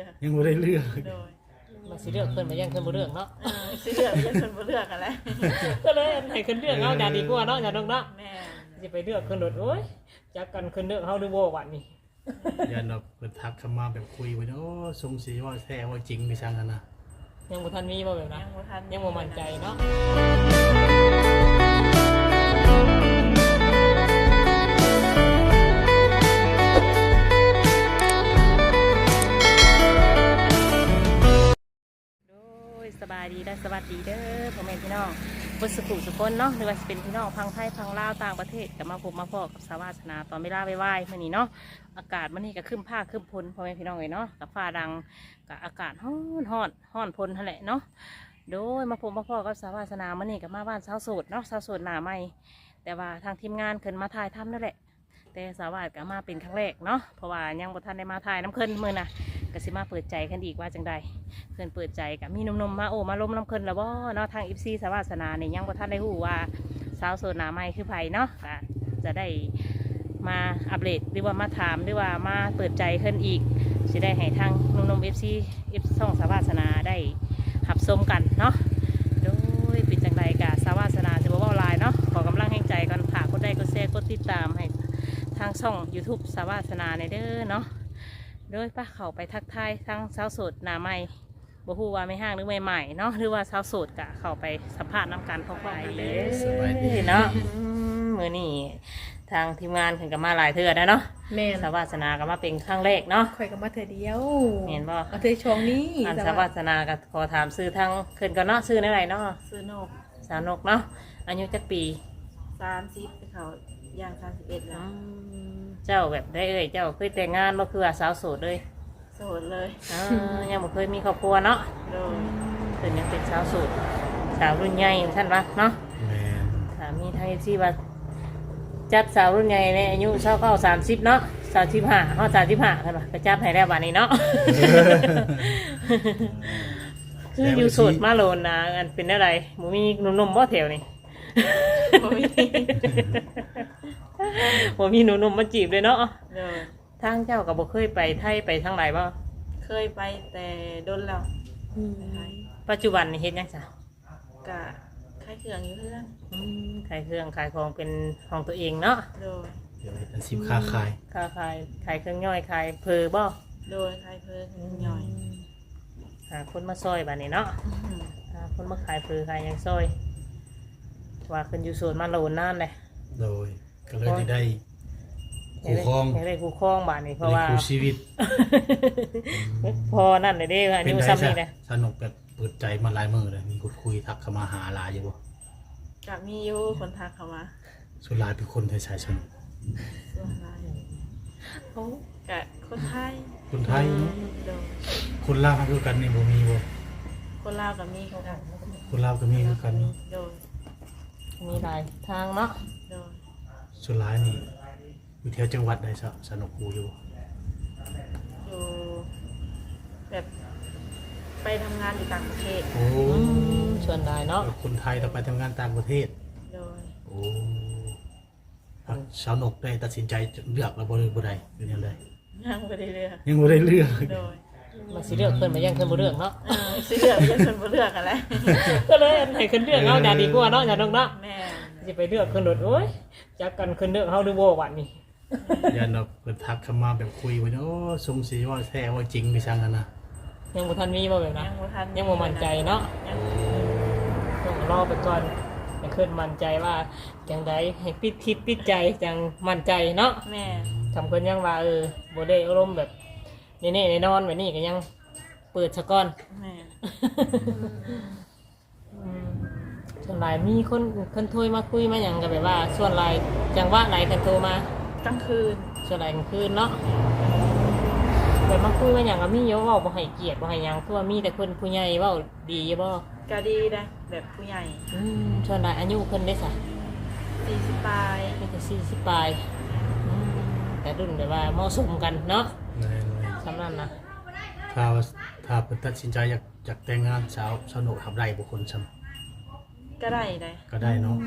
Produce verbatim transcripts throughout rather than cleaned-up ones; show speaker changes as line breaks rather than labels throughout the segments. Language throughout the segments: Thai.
ยังบ่ได้เลือก
โดย
มาสิเลือกเพิ่นมายังเพิ่นบ่เลือกเนาะ
สิเลือกยังเพิ่นบ่เลือกกันแล้ว
ก็เลยให้เพิ่นเลือกเอาอย่าดีกว่าเนาะอย่าดงเนาะ
แม่
สิไปเลือกเพิ่นโดดโอ๊ยจักกันเพิ่นเลือกเฮาดูบ่บัดนี้
ยันแบบเปิดทักเข้ามาแบบคุยไว้โอ้สงสัยว่าแท้ว่าจริงไปช่างกันนะ
ยังบ่ทันมีบ่แบบนั้น
ยังบ่ทัน
ยังบ่มั่นใจเนาะสบายดีและสวัสดีเด้อพ่อแม่พี่น้องบุษกุสุคนเนาะหรือว่าจะเป็นพี่น้องพังไทยพังลาวต่างประเทศกับมาพบมาพอกับสาวาสนาตอนเวลาไหว้ๆมื่อนี้เนาะอากาศมื่อนี้ก็ขึ้นผ้าขึ้นพลพ่อแม่พี่น้องเลยเนาะกับฟ้าดังกับอากาศฮ้อนฮ้อนฮ้อนพลนั่นแหละเนาะโดยมาพบมาพอกับสาวาสนามื่อนี้กับมาบ้านสาวโสดเนาะสาวโสดหน้าใหม่แต่ว่าทางทีมงานขึ้นมาถ่ายทำนั่นแหละแต่สาวาสก็มาเป็นครั้งแรกเนาะเพราะว่ายังบ่ทันได้มาถ่ายน้ำขึ้นมือน่ะก็สิมาเปิดใจกันอีกว่าจังใดเพื่อนเปิดใจกับมีนมๆมาโอ้มาล้มน้ำขึ้นแล้วบ่เนาะทางอิฟซีสาวาสนาเนี่ยยังบ่ทันได้รู้ว่าสาวโสดหน้าใหม่คือไผเนาะก็จะได้มาอัปเดตหรือว่ามาถามหรือว่ามาเปิดใจขึ้นอีกสิได้ให้ทางนมๆเอฟซีเอฟช่องสาวาสนาได้หับชมกันเนาะโดยเป็นจังใดกับสาวาสนาจะบอกว่าไลน์เนาะขอกำลังแห่งใจกันฝากกดไลค์กดแชร์กดติดตามให้ทางช่อง ยูทูบ สาวาสนาในเด้อเนาะโดยป้าเขาไปทักทายทั้งสาวโสดหน้าใหม่บ่ฮู้ว่าไม่ห้างหรือใหม่ๆเนาะหรือว่าสาวโสดกะเข้าไปสัมภาษณ์น้ำกันพร้อมๆเลยเนาะมื้อนี้ทางทีมงานขึ้นกับมาหลายเทื่อนะเนาะ
แม่
สาวาสนาก็มาเป็นครั้งแรกเนาะ
ข่อยก็มาเทื่อเดียว
เห็นบ่
เอาเทื่อช่องนี้
อันสาวาสนาก็ขอถามชื่อทางขึ้นก่อนเนาะชื่ออะไรเนาะ
ชื่อนก
สาวนกเนาะอายุจักปี
สามสิบเขาย่างสามสิบเอ็ดแล้ว
เจ้าแบบได้เอ่ยเจ้าเคยแต่งงานบ่คือว่าสาวโสดเลย
โสดเลย
อ่ายังบ่เคยมีครอบครัวเนาะ
โดย
เพิ่นยังเป็นสาวโสดสาวรุ่นใหญ่ท่านว่าเนาะ
แม่น
ถามมีไทยที่ว่าจัดสาวรุ่นใหญ่ในอายุเท่าเข้าสามสิบเนาะสามสิบห้าฮอดสามสิบห้าท่านว่าไปจับให้แล้วบัดนี้เนาะ คืออยู่โสดมาโลนนะอันเป็นอะไรหมูมีหนุ่มๆบ่แถวนี่บ่มีบ่มีหนุ่มๆมาจีบเลยเนาะ
เด้อ
ทางเจ้าก็บ่เคยไปไทยไปทางไหนบ่
เคยไปแต่โดนแล้ว
ปัจจุบันนี่เฮ็ดหยังซะ
กะขายเครื่องอยู่เรื่อง
อืมขายเครื่องขายของเป็นของตัวเองเนาะ
โดย
เดี๋ยวเป็นสิบค้าขาย
ค้าขายขายเครื่องย่อยขายเพอบ่
โดยขายเพอย่อย
หาคนมาซอยบัดนี้เนาะหาคนมาขายเพอขายหยังซอยว่าขึ้นอยู่โซนมาโลนนานเลย
โดยก็เลยได้คู่ครอง
ได้คู่ครองบัดนี้เพราะว่า
คู่ชีวิต
พอนั่นเลยเด้อายุซ้ำนี่นะ
สนุกแบบเปิดใจมาหลายมื้อเลยมีคนคุยทักเข้ามาหาหลายอยู่บ่
ก็มีอยู่คนทักเข้ามา
ส่วนหลายเป็นคนไทยชายชน
ส่วนหลายโอ้กะคนไทย
คนไทยคนลาวคือกันนี่บ่มีบ่
คนลาวก็มีคือกัน
คนลาวก็มีคือกัน
โดย
มีหลายทางเนาะ
โดย
ส่วนหลายนี่อยู่แถวจังหวัดใดซะสนุกกูอยู่
อยู่แบบไปทำงานอยู่ต่างประเทศ
โอ้
ส่วนหลายเนาะ
คนไทยเราไปทำงานต่างประเทศ
โดย
โอ้สาวนกได้ตัดสินใจเลือกแล้วบ่ได้บ่ได้เป็นยังไง
ยังบ่ได้เลือก
ยังบ่ได้เลือก
โดย
มาสิเลือกเพิ่นมายังเพิ่นบ่เลือกเนาะ
เออสิเลือกยังเพิ่นบ่เลือกกันแล้ว
ก็เลยให้เพิ่นเลือกเอาอย่าดีกว่าเนาะอย่าดงเนาะ
แม่
สิไปเลือกเพิ่นโดดโอ๊ยจักกันเพิ่นเลือกเฮาดูบ่บัดนี้
ยันแบบเพิ่นทักเข้ามาแบบคุยไว้โอ้สงสัยว่าแท้ว่าจริงไปช่างกันนะ
ยังบ่ทันมีบ่แบบนั้น
ยังบ่ทัน
ยังบ่มั่นใจเนาะต้องรอไปก่อนให้เพิ่นมั่นใจว่าจังไดให้ปิดทิศปิดใจจังมั่นใจเนาะ
แม่
ทำเพิ่นยังว่าเออบ่ได้อารมณ์แบบแน่ๆแน่นอนแบบนี้ก็ยังเปิดซะก่อน
แม่
ส่วนหลายมีคนคนโทรมาคุยมาอย่างกันแบบว่าส่วนหลายจังหวะไหนกันโทรม
ากลางคืน
ส่วนหลายกลางคืนเนาะแบบมาคุยมาอย่างก็มีเยอะว่าบ่ให้เกียรติบ่ให้ยังคือว่ามีแต่คนผู้ใหญ่เว้าดีบ่
ก็ดีนะแบบผู้ใหญ่
อืมส่วนหลายอายุเพิ่นได้ซะ
สี่สิบปลาย
มีแต่สี่สิบปลายอืมแต่รุ่นแบบว่าเหมาะสมกันเนาะสำนั้นนะ
ถ้าถ้าเพิ่นตัดสินใจอยากอยากแต่งงานสาวสนุกทำได้บ่คนซ้ำ
ก็ได้ได้
ก็ได้เนาะ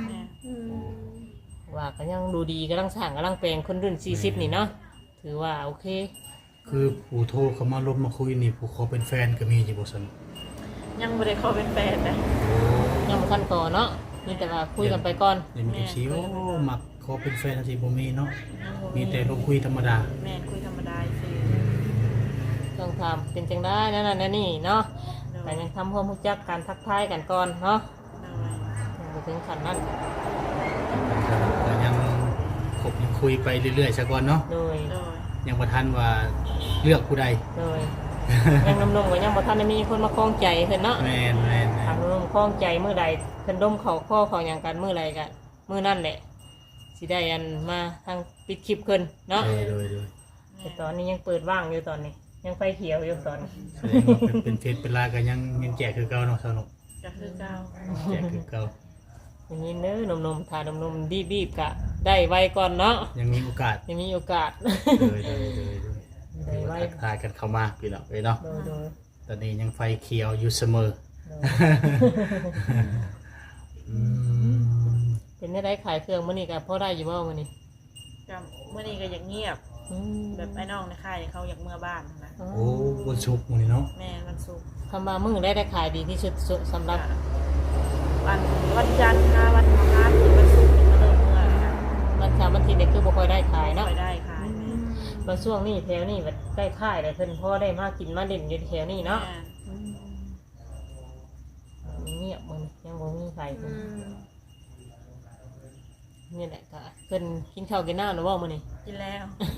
ว่าก็ยังดูดีกำลังสร้างกำลังแปลงคนรุ่นสี่สิบนี่เนาะถือว่าโอเค
คือผู้โทรเขามาลบมาคุยนี่ผู้ขอเป็นแฟนก็มีอยู่บ่ซั่น
ยังบ่ได้ขอเป็นแฟนนะ
ยังบ่ทันก่อเนาะมีแต่ว่าคุยกันไปก่อน
เดี๋ยวมี เอฟ ซีโอ้มักขอเป็นแฟนจังซี่บ่มีเนาะ
ยังบ่
มีแต่ลงคุยธรรมดา
แม่นคุยธรรมดาซื่อ
ต้องทำเป็นจังได้นั่นน่ะนั่นนี่เนาะ
โดย
แต่ยังทำความรู้จักการทักทายกันก่อนเนาะ
โดย
ยังบ่ถึงขั้นนั้น
ก็ยังคบยังคุยไปเรื่อยๆซะก่อนเนาะ
โดย
โดย
ยังบ่ทันว่าเลือกผู้ใด
โดยยังนมๆก็ยังบ่ทันได้มีคนมาคล้องใจเพิ่นเนาะ
แม่นแม่นแม่
ทาน งนมคล้องใจมื้อใดเพิ่นดมเข้าข้อเข้าหยังกันมื้อใดก็มื้อนั้นแหละสิได้อันมาทางปิดคลิปเพิ่นเนาะ
โดยโดยโดย
แต่ตอนนี้ยังเปิดว่างอยู่ตอนนี้ ยังไฟเขียวอยู่ตอนนี้
แสดงว่าเป็นเป็นเฟซเป็นไลน์ก็ยังยังแจกคือเก่าเนาะสนุก
ก็คือเก่า
แจกคือเก่า
อย่างนี้เน้อนมๆทานนมๆดีบๆกะได้ไวก่อนเนาะ
ยังมีโอกาส
ยังมีโอกาส
โดยโดยโดยโดย
ได้ไว
ทักทายกันเข้ามาพี่น้องเอ้ยเนาะ
โดยโดย
ตอนนี้ยังไฟเขียวอยู่เสมอ
โดย
อืม
เป็นได้ขายเครื่องมื้อนี้ก็พอได้อยู่บ่มื้อนี้
ก็มื้อนี้ก็อยากเงียบ
อืม
แบบไอ้น้องในค่ายเขาอยากเมื่อบ้านนะ
อ๋อ
โอ้วันศุกร์มื้อนี้เนาะ
แม่นวันศุกร์
คำว่ามื้อได้ได้ขายดีที่สุดสุดสำหรับ
วันวันจันทร์ค่ะวันพฤหัสถึงวันศุกร์ถึงมาเริ่มเมื่อนะ
วันเสาร์วันอาทิตย์เนี่ยคือบ่ค่อยได้ขายเนาะ
ค่อยได้ขายแม่
บางช่วงนี้แถวนี้แบบได้ขายแต่เพิ่นพอได้มากินมาเล่นอยู่แถวนี้เนาะ
แม่
เงียบมันยังบ่มีใคร
อืม
นี่แหละก็เพิ่นกินข้าวกินน้ำหรือว่ามื้อนี้
กินแล้ว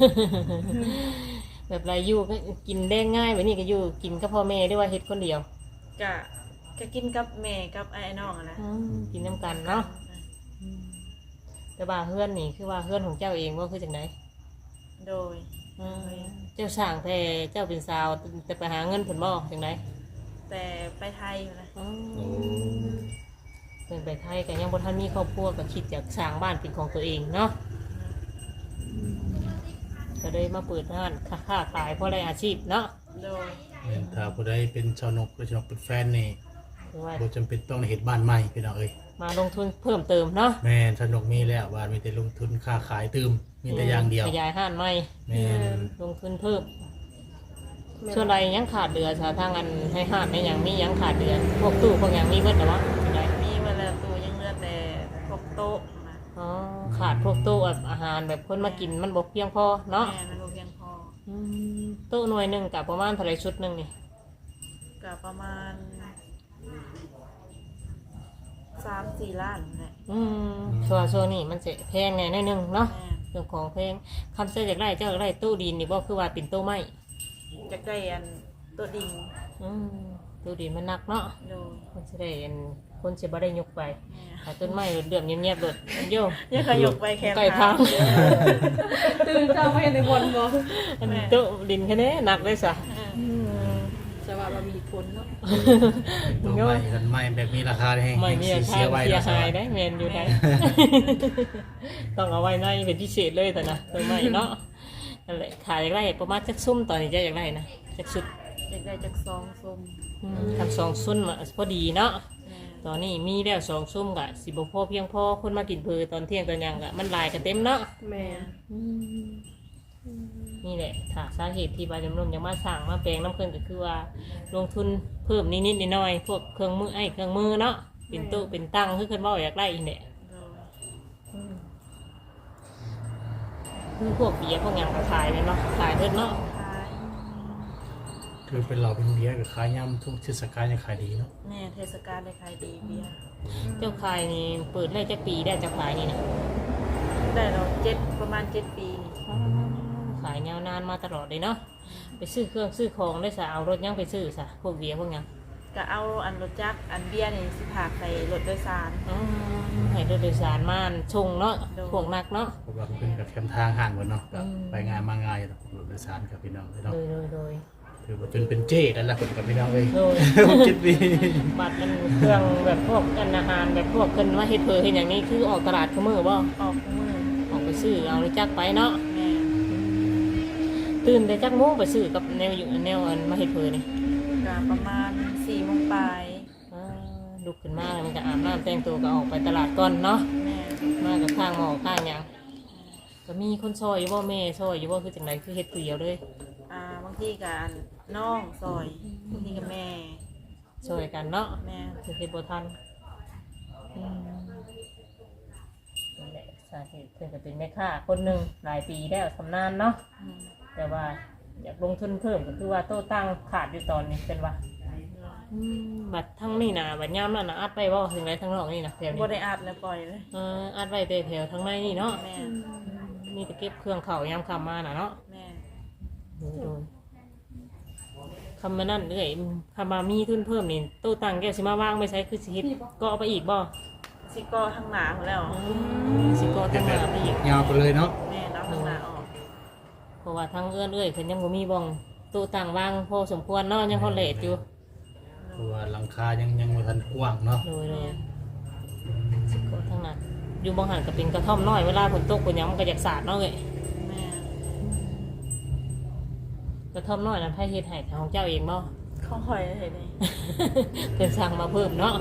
แบบไรอยู่ก็กินได้ง่ายแบบนี้ก็อยู่กินกับพ่อแม่ด้วยว่าเฮ็ดคนเดียว
ก็ก็กินกับแม่กับไอ้น้องอะนะ
กินน้ำกันเนาะแต่ว่าเพื่อนนี่คือว่าเพื่อนของเจ้าเองว่าคือจังได
โดย
อืมเจ้าสร้างแต่เจ้าเป็นสาวแต่ไปหาเงินผลบ่จังได
แต่ไปไทยอยู่นะ
อืม
โอ้
เป็นไปไทยก็ยังบ่ทันมีครอบครัวก็คิดอยากสร้างบ้านเป็นของตัวเองเนาะก็เลยมาเปิดร้านค้าขายเพราะได้อาชีพเนาะ
โดย
แม่นถ้าผู้ใดเป็นชาวนกหรือชาวนกเป็นแฟนนี่
คือว่า
บ่จำเป็นต้องเฮ็ดบ้านใหม่พี่น้องเอ้ย
มาลงทุนเพิ่มเติมเนาะ
แม่นชาวนกมีแล้วบ้านมีแต่ลงทุนค่าขายตืมมีแต่อย่างเดียว
ขยายห้านใหม่
แม่น
ลงทุนเพิ่มส่วนใดยังขาดเดือสาทางอันให้ห้านในยังมียังขาดเดือพวกตู้พวกยังมีเบิดแต่ว่าจังได
มีเวลาตัวยังเหลือแต่พวกโต๊ะนะ
อ๋อขาดพวกตู้แบบอาหารแบบคนมากินมันบกเพียงพอเนาะ
แม่มันบ่เพียงพอ
อืมตู้หน่วยหนึ่งกับประมาณเท่าไรชุดหนึ่งนี่
ก็ประมาณสามสี่ล้านแหละ
อืมชัวร์ชัวร์นี่มันจะแพงไงหน่อยหนึงเนาะ
แม่
เรื่องของแพงคำเสียจากไรเจ้าจากไรตู้ดินนี่บ่คือว่าเป็นตู้ไม้
จะได้อันตัวดิ่ง
อืมตู้ดินมันหนักเนาะ
โดย
มันจะได้อันคนจะบ่ได้ยกไป
แม่
ถ้าต้นไม้เดือดเงียบๆเดือดโย่
ยังขยกไปแค่
ไก่ทาง
ตื่นเช้าไม่เห็นในบอลบอ
อันนี้ตู้ดินแค่นี้หนักเลยสะ
จะว่าเรามีผลเนาะ
ตัวใหม่กันใหม่แบบมีราคาแพง
ไม่มีอา
เสี
คาย
ไว้
เสีย
นะ
หายได้แมนอยู่ได้ ต้องเอาไว้ในเป็นพิเศษเลยแต่นะตัวใหม่เนาะนั่นแหละขายอยากได้ประมาณจักซุ่มตอนนี้จะอยากได้นะจักชุด
อยากได้จากซองส้ม
ทำสองซุ่มอะพอดีเนาะ
แม่
ตอนนี้มีแล้วสองซุ่มกะสิบพอเพียงพอคนมากินเพอตอนเที่ยงตอนยังกะมันหลายกันเต็มเนาะ
แม่
นี่แหละถ้าสาเหตุที่บาจำนวนยังมาสั่งมาแปลงน้ำเครื่องก็คือว่าลงทุนเพิ่มนิดๆหน่อยๆพวกเครื่องมือไอ้เครื่องมือเนาะเป็นตู้เป็นตั้งคือคนว่าอยากได้อีกเนี่ย
โดย
คือพวกเบียร์พวกอย่างก็ขายเลยเนาะขายเพิ่นเนาะ
ขาย
คือเป็นเราเป็นเบียร์กับขายยำทุกเทศกาลยังขายดีเนาะ
แม่เทศกาลได้ขายดีเบียร์
เจ้าขายนี่เปิดได้จักปีได้เจ้าขายนี่นะ
ได้เราเจ็ดประมาณเจ็ดปีนี่
ขายยาวนานมาตลอดเลยเนาะไปซื้อเครื่องซื้อของได้สะเอารถยังไปซื้อสะพวกเบียร์พวกหยัง
ก็เอาอันรถจักรอันเบียร์นี่สิพากใส่รถโดยสาร
อ๋อให้รถโดยสารมาชงเนาะ
โดย
พวกนักเนาะ
เพราะว่าเป็นกับแคมทางห่างกันเนาะก็
อืม
ไปงานมาง่ายเนาะรถโดยสารกับพี่น้องพี่น้อง
โดยโดยโดย
ถือว่าจนเป็นเจ๊นั่นแหละคนกับพี่น้องเลย
โดย
คิดดี
บัตรมันเครื่องแบบพวกกันอาหารแบบพวกเพิ่นว่าเฮ็ดเพอเฮ็ดอย่างนี้คือออกตลาดคือมือบ่
ออกมือ
ออกไปซื้อเอารถจักรไปเนาะ
แม่
ตื่นแต่จักโมงไปซื้อกับแนวอยู่แนวอันมาเฮ็ดเพอนี่
ก็ประมาณสี่โมงปลาย
อ่าลุกขึ้นมาแล้วมันก็อาบน้ำแต่งตัวก็ออกไปตลาดก่อนเนาะ
แม่
มากับข้างหมอข้างหยังก็มีคนซอยอยู่บ่แม่ซอยอยู่บ่คือจังไดคือเฮ็ดผู้เดียวเลย
อ่าบางางทีกับน้องซอยบางทีกับแม่
ช่วยกันเนาะ
แม่
สิเฮ็ดบ่ทันอืมนั่นแหละสาเหตุเพิ่นก็เป็นแม่ค้าคนหนึงหลายปีแล้วชำนาญเนาะ
อืม
แต่ว่าอยากลงทุนเพิ่มก็คือว่าโต้ตั้งขาดอยู่ตอนนี้เป็นว่าบัดทั้งนี่นะบัดย่ามนั่นนะอัดไปบ่ถึงไรทั้งนอกนี่นะแถวนี้
บ่ได้อัดแล้วปล่อยเลย
เอออัดไว้แต่แถวทั้งในนี่เนาะ
แม่
มีแต่เก็บเครื่องเข่ายามคำมาน่ะเนาะ
แม่
โดยโดยคำมานั่นเอ้ยคำมามีทุนเพิ่มนี่โต้ตั้งแกสิมาว่างไม่ใช้คือสิเฮ็ดก็เอาไปอีกบ่
สิก็ทางหนาของแล้ว
สิก็ตั้งมาไปอีก
ยาวไปเลยเนาะ
แม่รับทางหนาออก
เพราะว่าทั้งเอื้อนเอ้ยเพิ่นยังบ่มีบ่องโต้ตั้งว่างพอสมควรเนาะยังฮอดเลทอยู่
เพราะว่าหลังคายังยังบ่ทันกว้างเนาะ
โดยโดยสิก็ทั้งนั้นอยู่บางหันก็เป็นกระท่อมน้อยเวลาฝนตกฝนหยังมันก็อยากสาดเนาะเอ้ย
แม่
กระท่อมน้อยนั้นไผเฮ็ดให้ของเจ้าเองบ่
เขาคอยเห็นไหม
เพิ่นสั่งมาเพิ่มเนาะ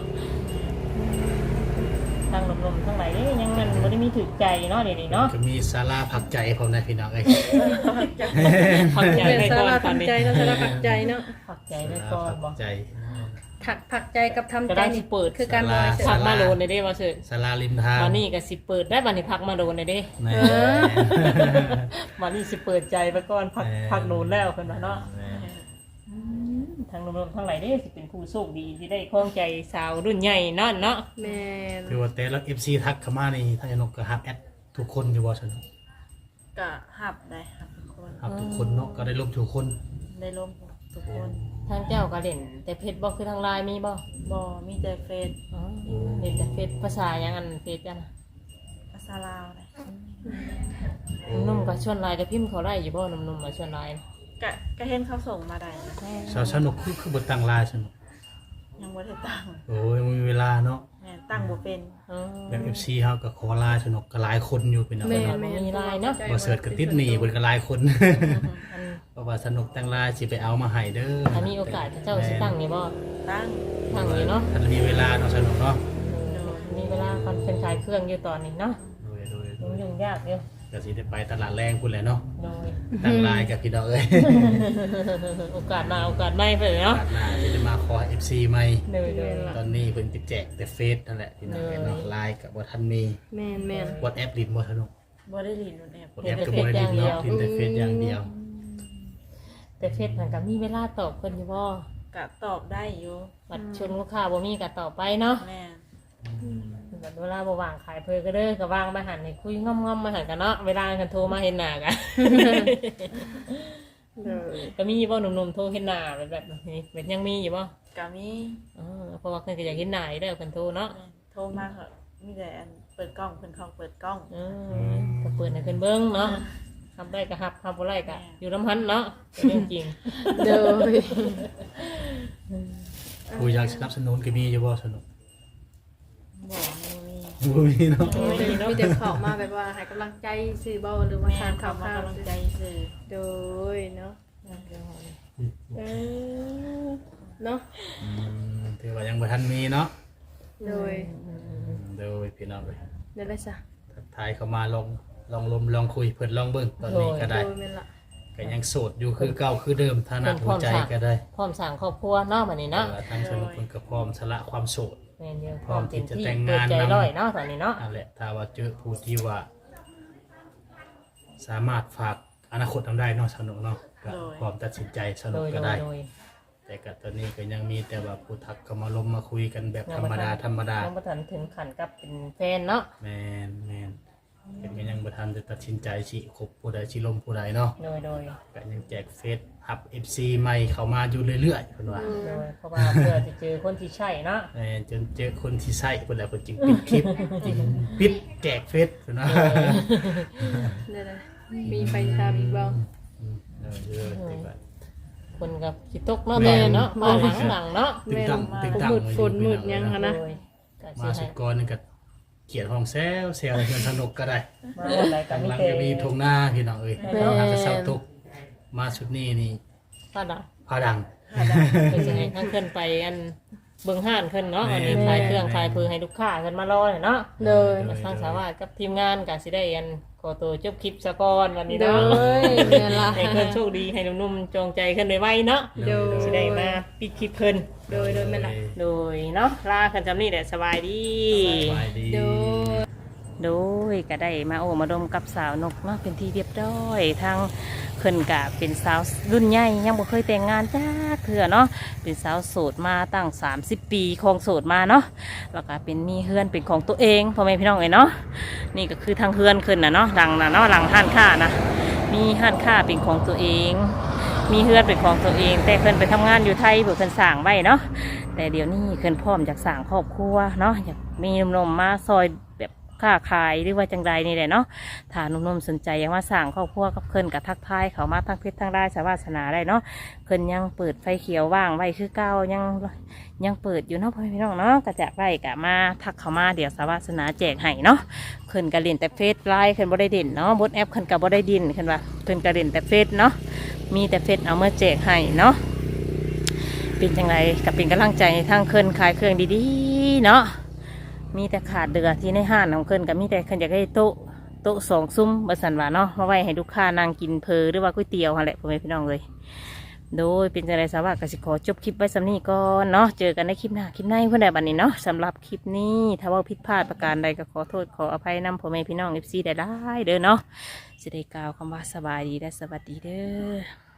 ทางลมๆทั้งหลายนี่ยังมันบ่ได้มีถึกใจเนาะเดี๋ยวนี้เนาะ
ก็มีศาลาพักใจพร้อมนะพี่น้องเอ้ย
ผักใจ
เป็น
ไป
สา
ก่อน
ระ
ตอ
ผั
น
ก
นี้
ใจเนาะสาระผักใจเนาะ
ผักใจไป
ศา
ก่อ
ลาน
บ่
พักใจ
ถักผักใจกับทำ
ก็
ใจ
ได้
นี่
สิเปิด
คือการบริสุท
ผัก
ธิ์
มาโดนได้เด้ว่าซื่อ
ศาลาริมทาง
วันนี้ก็สิเปิดได้บัดนี้ผักมาโดนได้เด้
แม่
วันนี้สิเปิดใจไปก่อนผัก
แม่
ผักโดนแล้วเพิ่นว่าเนาะ
แม่
ทางลมๆทั้งหลายเด้สิเป็นผู้โชคดีที่ได้ครองใจสาวรุ่นใหญ่นั่นเนาะ
แม่น
คือว่าแต่ละ เอฟ ซี ทักเข้ามานี่ทางยานกก็ฮับแอดทุกคนอยู่บ่ซั่น
กะหับได้หับทุกคน
ฮับทุกคนเนาะก็ได้ลบทุกคน
ได้ร่วมทุกคน
ทางเจ้าก็เล่นแต่เพชรบ่คือทางไลน์มีบ่
บอมีแต่เฟซ
อ๋อเล่นแต่เพชรภาษาหยังอันเพชรกัน
ภาษาลาวเลย
นุ่มๆก็ชวนไลน์ก็พิมพ์เขาได้อยู่บ่นุ่มๆมาชวนไลน์
กะกะเห็นเขาส่งมาได้
สาวสนุกคือคือบ่ตั้งไลน์ซั่น
ยังบ่ได้ตั้ง
โอ้ยบ่มีเวลาเนาะ
แม่ตั้งบ่เป็น
อ๋อ
แบบ เอฟ ซี เฮาก็ขอไลน์สนุกก็หลายคนอยู่เป็นเอา
แม่
เนาะ
แม่
มีไลน์เนาะ
บ่เสิร์ชก็ติดหนี้เพิ่นก็หลายคน
อัน
เพราะว่าสนุกตั้งไลน์สิไปเอามาให้เด้อ
ถ้ามีโอกาสเจ้าสิตั้งนี่บ่
ตั้ง
ตั้งนี่เนาะ
ถ้ามีเวลาเนาะสนุกเนาะ
มีเวลาคนเป็นขายเครื่องอยู่ตอนนี้เนาะ
โดยโดยโด
ยุ่ง
ย
ยุ่งยากอยู่
ก็สิได้ไปตลาดแรงพุ่นแหละเนาะ
โดย
ตั้งไลน์กับพี่น้องเอ้ย
โอกาสมาโอกาสไม่ไปเลยเนาะ
ตลาดหน้าสิได้มาขอ เอฟ ซี ใหม่
โดยโดย
ตอนนี้เพิ่นติดแจกแต่เฟซนั่นแหละพี่น้องเอ้ยเนาะไลน์ก็บ่ทันมี
แม่นแม่น
WhatsApp ลิ้นบ่สนุก
บ่ได้ลินนู่นแอบ
WhatsApp ก็บ่ได้ลิ้นเนาะลิ้นแต่เฟซอย่างเดียว
แต่เฟซมันก็มีเวลาตอบคนอยู่บ่
กะตอบได้อยู่
บัดชวนลูกค้าบ่มีก็ตอบไปเนาะ
แม่
บัดเวลาบ่ว่างขายเพอก็เด้อก็ว่างมาหันให้คุยง่อมๆมาหันกันเนาะเวลาคันโทรมาเห็นหน้ากัน
เด้อ
ก็มีบ่หนุ่มๆโทรเห็นหน้าแบบแบบนี้เป็นยังมีอยู่บ่
กะมี
อ๋อเพราะว่าเพิ่นก็อยากเห็นหน้าอยู่แล้วคันโทรเนาะ
แม่โทรมาเหอะมีแต่อันเปิดกล้องเพิ่นเขาเปิดกล้อง
เออก็เปิดให้เพิ่นเบิ่งเนาะทำได้ก็รับทำบ่ได้ก็อยู่น้ำหันเนาะเป็นเรื่องจริง
เด้อ
ผู้อยากสนับสนุนก็มีอยู่บ่สนุก
บ่มีมี
บ่มีเนาะ
มีแต่เข้ามาแบบว่าให้กำลังใจซื้อเบ้าหรือว่า
แม่
ทาน
เขา
ข้าว
มา
ข้าว
กำลังใจซื้อ
โดยเนาะเออเนาะ
อืมถือว่ายังบ่ทันมีเนาะ
โดย
โดยพี่น้องเอ้ย
เดี๋ยวได้ซะ
ทักทายเข้ามาลองลองลมลองคุยเพิ่นลองเบิ่งตอนนี้ก็
โด
ได้
ยแม่นละ
ก็ยังโสดอยู่คือเก่าคือเดิมฐานะหัวใจก็ได้
พร้อมสร้างครอบครัวเนาะบัดนี้เนาะ
แต่ว่าทางสนุกเพิ่นก็พร้อมสละความโสด
แม่นอยู่
พร้อมที่จะแต่ง
เปิด
งาน
ใจ
นำ
ร้อยเนาะตอนนี้เนาะ
นั่นแหละถ้าว่าเจอผู้ที่ว่า สามารถฝากอนาคตทำได้เนาะสนุกเนาะก็พร้อมตัดสินใจส
โด
นุก
ย
ก็
โด
ได้
ยโดย
แต่ก็ตอนนี้ก็ยังมีแต่ว่าผู้ทักก็มาลมมาคุยกันแบบธรรมดาธรรมดา
ยังบ่ทันถึงขั้นกับเป็นแฟนเนาะ
แมนแมนเป็นก็ยังบ่ทันจะตัดสินใจสิคบผู้ใดสิลมผู้ใดเนาะ
โดยโดย
ก็ยังแจกเฟซฮับ เอฟ ซี ใหม่เข้ามาอยู่เรื่อยๆเพิ่นว่า
โดยเพราะว่าเพื่อจะเจอคนที่ใช่เนาะ
แม่นจนเจอคนที่ใช่เพิ่นแล้วเพิ่นจึงปิดคลิปจึงปิดแจกเฟซเพิ่นว่า
เดี๋ยวๆมีไฟทำอีกบ่
อืมเออเออแต่ว่า
คนกับสิตกเนาะ
แม่
ตอน
น
เนาะมาหลังหลังเนาะ
ตึงตังตึงตัง
มืดฝนมืดยังคะนะ
โดยก็สิ
มาสุ
ให้
ดก่อนนี่ก็เขียนห้องแซวแซวให้เพิ่นสนุกก็ได้
มาวันไหนก็
ข้าง
มี
หลัง
แต่
ก็มีทงหน้าพี่น้องเอ้ย
แม่น
เราหาจะเศร้าทุกข์มาสุดนี้นี่
ป้าดา
พาดัง
ก็สิให้ทั้งขึ้นไปอันเบิ่งห้านขึ้นเนาะ
แม่
อันนี้ขายเครื่องขายพือให้ลูกค้าขึ้นมารอเนาะ
เลย
มาสร้างสาวาสกับทีมงานก็สิได้อันขอตัวจบคลิปซะก่อนวันนี้
โด
เนาะ
ยแม่ละ
ให้เพิ่นโชคดีให้หนุ่มๆจงใจขึ้นไวๆเนาะ
โดย
สิได้มาปิดคลิปเพิ่น
โดยโดยแม่ละ
โดยเนาะลากันจำนี่แหละสบายดี
สบายดี
โดย
โดยก็ได้มาโอ้มาดมกับสาวนกเนาะเป็นที่เรียบร้อยทางเพิ่นกะเป็นสาวรุ่นใหญ่ยังบ่เคยแต่งงานจ้าเถื่อเนาะเป็นสาวโสดมาตั้งสามสิบปีครองโสดมาเนาะแล้วก็เป็นมีเฮือนเป็นของตัวเองพ่อแม่พี่น้องเอ้ยเนาะนี่ก็คือทางเฮือนขึ้นนะเนาะหลังนะเนาะหลังห้านค้านะมีห้านค้าเป็นของตัวเอง มีเฮือนเป็นของตัวเอง แต่เพิ่นไปทำงานอยู่ไทยเพื่อเพิ่นสร้างไว้เนาะแต่เดี๋ยวนี้เพิ่นพร้อมจากสร้างครอบครัวเนาะอยากมีหนุ่มๆมาซอยแบบค้าขายหรือว่าจังใดนี่แหละเนาะถ้าหนุ่มๆสนใจอยากมาสร้างครอบครัวกับเพิ่นกับทักทายเขามาทั้งเพชรทั้งได้สาวาสนาได้เนาะเพิ่นยังเปิดไฟเขียวว่างไว้คือเก่ายังยังเปิดอยู่เนาะพ่อพี่น้องเนาะกระจากไว้กะมาทักเขามาเดี๋ยวสาวาสนาแจกให้เนาะเพิ่นกะเล่นแต่เฟซไลน์เพิ่นบ่ได้เด่นเนาะบนแอปเพิ่นกะบ่ได้ดินเพิ่นว่าเพิ่นกะเล่นแต่เฟซเนาะมีแต่เฟซเอามาแจกให้เนาะเป็นจังไรกับเป็นกำลังใจให้ทางเพิ่นขายเครื่องดีๆเนาะมีแต่ขาดเดือที่ในห้างของเพิ่นกับมีแต่เพิ่นอยากให้โต๊ะโต๊ะสองซุ้มบสันว่าเนาะมาไว้ให้ลูกค้านั่งกินเพลหรือว่าก๋วยเตี๋ยวอะไรพวกนี้พี่น้องเลยโดยเป็นจังไรสาวะกสิขอจบคลิปไว้สำนี้ก่อนเนาะเจอกันในคลิปหน้าคลิปในเพื่อนใดบันนี้เนาะสำหรับคลิปนี้ถ้าว่าผิดพลาดประการใดก็ขอโทษขออภัยนำพ่อแม่พี่น้องเอฟซีได้ได้เด้อเนาะสิได้กล่าวคำว่าสบายดีและสวัสดีเด้อ